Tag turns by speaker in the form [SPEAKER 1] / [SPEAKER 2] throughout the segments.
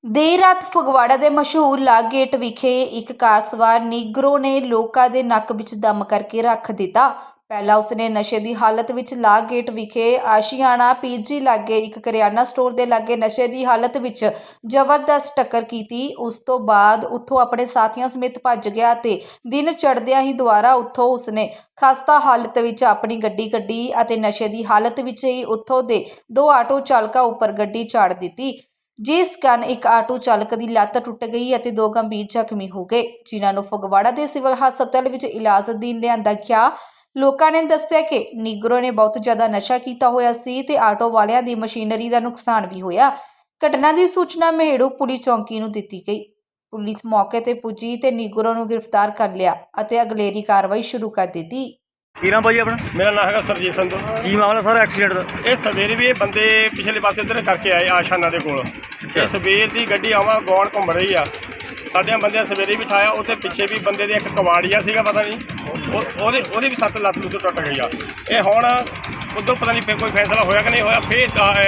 [SPEAKER 1] ਦੇਰ ਰਾਤ ਫਗਵਾੜਾ ਦੇ ਮਸ਼ਹੂਰ ਲਾਗ ਗੇਟ ਵਿਖੇ ਇੱਕ ਕਾਰ ਸਵਾਰ ਨੀਗਰੋ ਨੇ ਲੋਕਾਂ ਦੇ ਨੱਕ ਵਿੱਚ ਦਮ ਕਰਕੇ ਰੱਖ ਦਿੱਤਾ। ਪਹਿਲਾਂ ਉਸਨੇ ਨਸ਼ੇ ਦੀ ਹਾਲਤ ਵਿੱਚ ਲਾਗ ਗੇਟ ਵਿਖੇ ਆਸ਼ੀਆਣਾ ਪੀਜੀ ਲਾਗੇ ਇੱਕ ਕਰਿਆਨਾ ਸਟੋਰ ਦੇ ਲਾਗੇ ਨਸ਼ੇ ਦੀ ਹਾਲਤ ਵਿੱਚ ਜ਼ਬਰਦਸਤ ਟੱਕਰ ਕੀਤੀ। ਉਸ ਤੋਂ ਬਾਅਦ ਉੱਥੋਂ ਆਪਣੇ ਸਾਥੀਆਂ ਸਮੇਤ ਭੱਜ ਗਿਆ ਤੇ ਦਿਨ ਚੜ੍ਹਦਿਆਂ ਹੀ ਦੁਬਾਰਾ ਉੱਥੋਂ ਉਸਨੇ ਖਸਤਾ ਹਾਲਤ ਵਿੱਚ ਆਪਣੀ ਗੱਡੀ ਕੱਢੀ ਅਤੇ ਨਸ਼ੇ ਦੀ ਹਾਲਤ ਵਿੱਚ ਹੀ ਉੱਥੋਂ ਦੇ ਦੋ ਆਟੋ ਚਾਲਕਾਂ ਉੱਪਰ ਗੱਡੀ ਚਾੜ ਦਿੱਤੀ, ਜਿਸ ਕਾਰਨ ਇੱਕ ਆਟੋ ਚਾਲਕ ਦੀ ਲੱਤ ਟੁੱਟ ਗਈ ਅਤੇ ਦੋ ਗੰਭੀਰ ਜ਼ਖਮੀ ਹੋ ਗਏ, ਜਿਨ੍ਹਾਂ ਨੂੰ ਫਗਵਾੜਾ ਦੇ ਸਿਵਲ ਹਸਪਤਾਲ ਵਿੱਚ ਇਲਾਜ ਅਧੀਨ ਲਿਆਂਦਾ ਗਿਆ। ਲੋਕਾਂ ਨੇ ਦੱਸਿਆ ਕਿ ਨੀਗਰੋ ਨੇ ਬਹੁਤ ਜ਼ਿਆਦਾ ਨਸ਼ਾ ਕੀਤਾ ਹੋਇਆ ਸੀ ਤੇ ਆਟੋ ਵਾਲਿਆਂ ਦੀ ਮਸ਼ੀਨਰੀ ਦਾ ਨੁਕਸਾਨ ਵੀ ਹੋਇਆ। ਘਟਨਾ ਦੀ ਸੂਚਨਾ ਮਹੇੜੂ ਪੁਲਿਸ ਚੌਂਕੀ ਨੂੰ ਦਿੱਤੀ ਗਈ। ਪੁਲਿਸ ਮੌਕੇ ਤੇ ਪੁੱਜੀ ਤੇ ਨੀਗਰੋ ਨੂੰ ਗ੍ਰਿਫਤਾਰ ਕਰ ਲਿਆ ਅਤੇ ਅਗਲੇਰੀ ਕਾਰਵਾਈ ਸ਼ੁਰੂ ਕਰ ਦਿੱਤੀ।
[SPEAKER 2] ਕੀ ਨਾਮ ਭਾਈ ਆਪਣਾ?
[SPEAKER 3] मेरा नाम है सरजीत संधू।
[SPEAKER 2] ਕੀ ਮਾਮਲਾ ਸਾਰਾ ਐਕਸੀਡੈਂਟ ਦਾ?
[SPEAKER 3] ਇਹ ਸਵੇਰੇ ਵੀ ਇਹ ਬੰਦੇ ਪਿਛਲੇ ਪਾਸੇ ਇੱਧਰ ਕਰਕੇ ਆਏ ਆਸ਼ਾਨਾ ਦੇ ਕੋਲ। ਇਹ ਸਵੇਰ ਦੀ ਗੱਡੀ ਆਵਾਂ ਗੌਣ ਘੁੰਮ ਰਹੀ ਆ। ਸਾਡਿਆਂ ਬੰਦਿਆਂ ਸਵੇਰੇ ਵੀ ਠਾਇਆ। ਉੱਥੇ ਪਿੱਛੇ ਵੀ ਬੰਦੇ ਦੇ ਇੱਕ ਕਵਾੜੀਆ ਸੀਗਾ, ਪਤਾ ਨਹੀਂ ਉਹਦੀ ਵੀ ਸੱਤ ਲੱਤ ਲੁੱਤ ਟੁੱਟ ਗਈ ਆ। ਇਹ ਹੁਣ ਉੱਧਰ ਪਤਾ ਨਹੀਂ ਫਿਰ ਕੋਈ ਫੈਸਲਾ ਹੋਇਆ ਕਿ ਨਹੀਂ ਹੋਇਆ। ਫਿਰ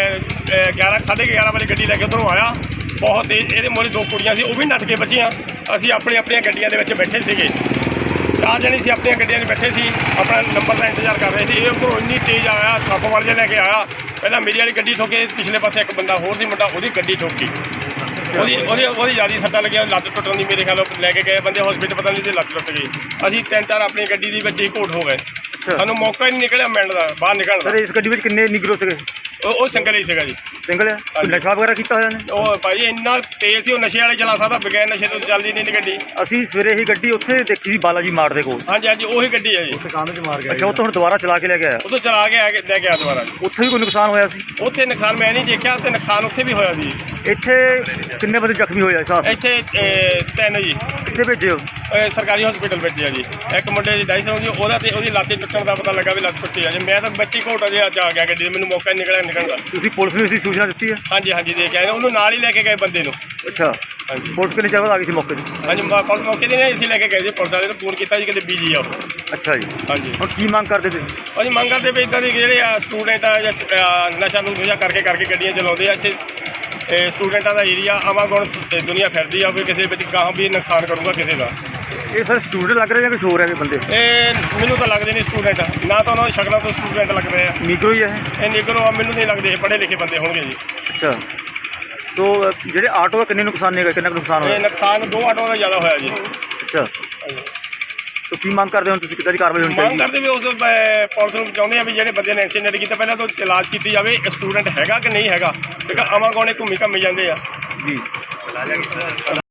[SPEAKER 3] 11:30 ਵਾਲੀ ਗੱਡੀ ਲੈ ਕੇ ਉੱਧਰੋਂ ਆਇਆ ਬਹੁਤ ਤੇਜ਼। ਇਹਦੇ ਮੋਰੇ ਦੋ ਕੁੜੀਆਂ ਸੀ, ਉਹ ਵੀ ਨੱਠ ਕੇ ਬਚੀਆਂ। ਅਸੀਂ ਆਪਣੀਆਂ ਗੱਡੀਆਂ ਦੇ ਵਿੱਚ ਬੈਠੇ ਸੀਗੇ, 4 ਜਣੇ ਸੀ, ਆਪਣੀਆਂ ਗੱਡੀਆਂ 'ਚ ਬੈਠੇ ਸੀ, ਆਪਣਾ ਨੰਬਰ ਦਾ ਇੰਤਜ਼ਾਰ ਕਰ ਰਹੇ ਸੀ। ਇਹ ਉੱਪਰੋਂ ਇੰਨੀ ਤੇਜ਼ ਆਇਆ, ਸੱਪ ਵਾਲ ਜਿਹਾ ਲੈ ਕੇ ਆਇਆ। ਪਹਿਲਾਂ ਮੇਰੀ ਵਾਲੀ ਗੱਡੀ ਠੋਕੇ, ਪਿਛਲੇ ਪਾਸੇ ਇੱਕ ਬੰਦਾ ਹੋਰ ਸੀ ਮੁੰਡਾ, ਉਹਦੀ ਗੱਡੀ ਠੋਕੀ। ਉਹਦੀ ਜ਼ਿਆਦਾ ਸੱਟਾਂ ਲੱਗੀਆਂ, ਲੱਤ ਟੁੱਟਣ ਦੀ ਮੇਰੇ ਖਿਆਲ ਲੈ ਕੇ ਗਏ ਬੰਦੇ ਹਸਪੀਟਲ, ਪਤਾ ਨਹੀਂ ਤੇ ਲੱਤ ਟੁੱਟ ਗਈ। ਅਸੀਂ 3-4 ਆਪਣੀ ਗੱਡੀ ਦੇ ਵਿੱਚ ਹੀ ਘੋਟ ਹੋ ਗਏ। ਸਾਨੂੰ ਮੌਕਾ ਹੀ ਨਹੀਂ ਨਿਕਲਿਆ ਮਿਲਣ ਦਾ, ਬਾਹਰ ਨਿਕਲਣ ਦਾ।
[SPEAKER 2] ਸਰ ਇਸ ਗੱਡੀ ਵਿੱਚ ਕਿੰਨੇ ਨਿਗਰੋ ਸੀਗੇ?
[SPEAKER 3] ਉਹ ਸਿੰਗਲ ਹੀ ਸੀਗਾ ਜੀ।
[SPEAKER 2] ਸਿੰਗਲ ਹੈ? ਕੋਈ ਨਸ਼ਾ ਵਗੈਰਾ ਕੀਤਾ ਹੋਇਆ ਨੇ?
[SPEAKER 3] ਉਹ ਭਾਈ ਇੰਨਾ ਤੇਜ਼ ਸੀ, ਉਹ ਨਸ਼ੇ ਵਾਲੇ ਚਲਾ ਸਕਦਾ, ਬਗੈਰ ਨਸ਼ੇ ਤੋਂ ਚੱਲਦੀ ਨਹੀਂ ਗੱਡੀ।
[SPEAKER 2] ਅਸੀਂ ਸਵੇਰੇ ਹੀ ਗੱਡੀ ਉੱਥੇ ਦੇਖੀ ਸੀ ਬਾਲਾਜੀ ਮਾਰਟ ਦੇ ਕੋਲ।
[SPEAKER 3] ਹਾਂਜੀ ਉਹੀ ਗੱਡੀ ਹੈ ਜੀ।
[SPEAKER 2] ਅੱਛਾ, ਉੱਥੋਂ ਹੁਣ ਦੁਬਾਰਾ ਚਲਾ ਕੇ ਲੈ ਕੇ ਆਇਆ?
[SPEAKER 3] ਉਦੋਂ ਚਲਾ ਕੇ ਲੈ ਕੇ ਆਇਆ ਦੁਬਾਰਾ।
[SPEAKER 2] ਉੱਥੇ ਵੀ ਕੋਈ ਨੁਕਸਾਨ ਹੋਇਆ ਸੀ?
[SPEAKER 3] ਉੱਥੇ ਨੁਕਸਾਨ ਮੈਂ ਨਹੀਂ ਦੇਖਿਆ, ਤੇ ਨੁਕਸਾਨ ਉੱਥੇ ਵੀ ਹੋਇਆ ਸੀ।
[SPEAKER 2] ਇੱਥੇ ਕਿੰਨੇ ਬੰਦੇ ਜ਼ਖਮੀ ਹੋਏ ਆ ਇਸ ਹਾਦਸੇ?
[SPEAKER 3] ਇੱਥੇ 3 ਜੀ।
[SPEAKER 2] ਕਿੱਥੇ ਭੇਜੇ ਹੋ?
[SPEAKER 3] ਸਰਕਾਰੀ ਹਸਪੀਟਲ ਭੇਜਿਆ ਜੀ। ਇੱਕ ਮੁੰਡੇ ਦੀ ਡਾਈਸ ਹੋ ਗਈ, ਉਹਦੀ ਲੱਤ ਟੁੱਟਣ ਦਾ ਪਤਾ ਲੱਗਾ ਵੀ ਲੱਤ ਟੁੱਟੀ ਆ ਜੀ। ਮੈਂ ਤਾਂ ਬੱਚੀ ਘੋਟਾ ਜਿਹਾ ਆ ਗਿਆ ਗੱਡੀ, ਮੈਨੂੰ ਮੌਕਾ ਹੀ ਨਿਕਲਣ ਦਾ।
[SPEAKER 2] ਤੁਸੀਂ ਪੁਲਿਸ ਨੂੰ ਇਸਦੀ ਸੂਚਨਾ ਦਿੱਤੀ ਹੈ?
[SPEAKER 3] ਹਾਂਜੀ ਦੇ ਕੇ ਆਏ, ਉਹਨੂੰ ਨਾਲ ਹੀ ਲੈ ਕੇ ਗਏ ਬੰਦੇ ਨੂੰ।
[SPEAKER 2] ਅੱਛਾ,
[SPEAKER 3] ਹਾਂਜੀ
[SPEAKER 2] ਪੁਲਿਸ ਕਿੰਨੇ ਚਿਰ ਬਾਅਦ ਆ ਗਈ ਸੀ ਮੌਕੇ 'ਤੇ?
[SPEAKER 3] ਹਾਂਜੀ ਪੁਲਿਸ ਮੌਕੇ 'ਤੇ ਨਹੀਂ, ਅਸੀਂ ਲੈ ਕੇ ਗਏ ਜੀ। ਪੁਲਿਸ ਵਾਲੇ ਨੂੰ ਫੋਨ ਕੀਤਾ ਜੀ, ਕਿਤੇ ਬੀਜੀ ਆ ਉਹ।
[SPEAKER 2] ਅੱਛਾ ਜੀ,
[SPEAKER 3] ਹਾਂਜੀ।
[SPEAKER 2] ਹੁਣ ਕੀ ਮੰਗ ਕਰਦੇ ਤੁਸੀਂ?
[SPEAKER 3] ਅਸੀਂ ਮੰਗ ਕਰਦੇ ਵੀ ਇੱਦਾਂ ਦੀ ਜਿਹੜੇ ਆ ਸਟੂਡੈਂਟ ਆ ਜਾਂ ਨਸ਼ਾ ਨੂੰ ਕਰਕੇ ਗੱਡੀਆਂ ਚਲਾਉਂਦੇ ਆ। ਇੱਥੇ ਸਟੂਡੈਂਟਾਂ ਦਾ ਏਰੀਆ, ਆਵਾਗੁਣ ਦੁਨੀਆ ਫਿਰਦੀ ਆ, ਕੋਈ ਕਿਸੇ ਵਿੱਚ ਗਾਹਾਂ ਵੀ ਨੁਕਸਾਨ ਕਰੂਗਾ ਕਿਸੇ ਦਾ।
[SPEAKER 2] ਇਹ ਸਰ ਸਟੂਡੈਂਟ ਲੱਗ ਰਹੇ ਜਾਂ ਕੁਛ ਹੋਰ ਹੈ ਬੰਦੇ?
[SPEAKER 3] ਇਹ ਮੈਨੂੰ ਤਾਂ ਲੱਗਦੇ ਨਹੀਂ ਸਟੂਡੈਂਟ, ਨਾ ਤਾਂ ਉਹਨਾਂ ਦੀ ਸ਼ਕਲਾਂ ਤੋਂ ਸਟੂਡੈਂਟ ਲੱਗ ਰਹੇ ਆ।
[SPEAKER 2] ਨਿਗਰੋ ਹੀ ਹੈ
[SPEAKER 3] ਇਹ ਨਿਗਰੋ ਆ, ਮੈਨੂੰ ਨਹੀਂ ਲੱਗਦੇ ਇਹ ਪੜ੍ਹੇ ਲਿਖੇ ਬੰਦੇ ਹੋਣਗੇ ਜੀ।
[SPEAKER 2] ਅੱਛਾ, ਸੋ ਜਿਹੜੇ ਆਟੋ ਦਾ ਕਿੰਨੇ ਨੁਕਸਾਨ ਨੇ, ਕਿੰਨਾ ਕੁ ਨੁਕਸਾਨ ਹੋਇਆ?
[SPEAKER 3] ਇਹ ਨੁਕਸਾਨ 2 ਆਟੋਆਂ ਦਾ ਜ਼ਿਆਦਾ ਹੋਇਆ ਜੀ।
[SPEAKER 2] ਅੱਛਾ, ਸੋ ਕੀ ਮੰਗ ਕਰਦੇ ਹੋ ਤੁਸੀਂ, ਕਿੱਦਾਂ ਦੀ ਕਾਰਵਾਈ ਹੋਣੀ
[SPEAKER 3] ਮੰਗ
[SPEAKER 2] ਚਾਹੀਦੀ?
[SPEAKER 3] ਕਰਦੇ ਵੀ ਉਸ ਪੁਲਿਸ ਨੂੰ ਚਾਹੁੰਦੇ ਆ ਵੀ ਜਿਹੜੇ ਬੰਦੇ ਨੇ ਐਕਸੀਡੈਂਟ ਕੀਤਾ ਪਹਿਲਾਂ ਤਾਂ ਇਲਾਜ ਕੀਤੀ ਜਾਵੇ, ਸਟੂਡੈਂਟ ਹੈਗਾ ਕਿ ਨਹੀਂ ਹੈਗਾ, ਕਿਉਂਕਿ ਆਵਾਗੁਣੇ ਘੁੰਮੀ ਜਾਂਦੇ ਆ
[SPEAKER 2] ਜੀ।